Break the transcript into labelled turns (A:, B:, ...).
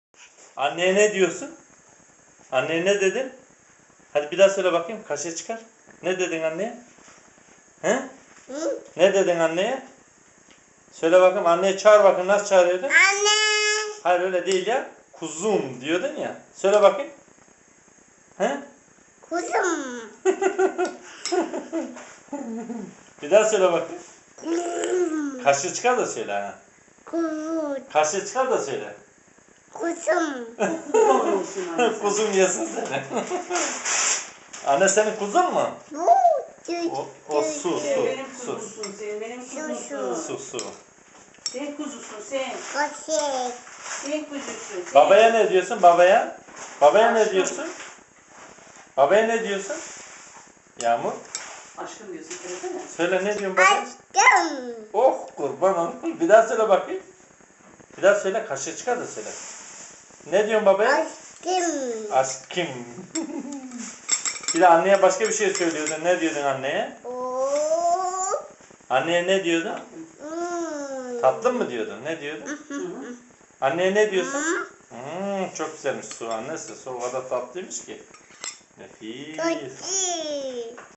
A: Anneye ne diyorsun? Anneye ne dedin? Hadi bir daha söyle bakayım. Kaşığı çıkar. Ne dedin anneye? He?
B: Hı?
A: Ne dedin anneye? Söyle bakayım. Anneye çağır bakayım. Nasıl çağırıyordun?
B: Anne.
A: Hayır öyle değil ya. Kuzum diyordun ya. Söyle bakayım. He?
B: Kuzum.
A: Bir daha söyle bakayım.
B: Kuzum.
A: Kaşığı çıkar da söyle ha.
B: Kuzum.
A: Kaşığı çıkar da söyle.
B: Kuzum.
C: Kurban olsun anne.
A: Kuzum yesin seni. Anne senin kuzun mu?
B: Bu.
A: O su.
C: Sen benim
A: Su.
C: kuzumsun, sen benim
B: Su.
C: kuzumsun.
A: Su.
C: Sen kuzusun, sen.
B: Kaşık.
C: Sen kuzusun, sen.
A: Babaya ne diyorsun? Babaya? Babaya ne diyorsun? Babaya ne diyorsun? Yağmur.
C: Aşkım diyorsun, söylesene.
A: Söyle ne diyorsun babaya?
B: Aşkım.
A: Oh kurban olayım. Bir daha söyle bakayım. Bir daha söyle. Kaşığı çıkar da söyle. Ne diyorsun babaya?
B: Aşkım.
A: Aşkım. Bir de anneye başka bir şey söylüyordun. Ne diyordun anneye?
B: Oo.
A: Anneye ne diyordun?
B: Hmm.
A: Tatlı mı diyordun? Ne diyordun?
C: Hı hı.
A: Anneye ne diyorsun?
B: Hı?
A: Çok güzelmiş su annesi. Su o kadar tatlıymış ki. Nefis.
B: Kaşık.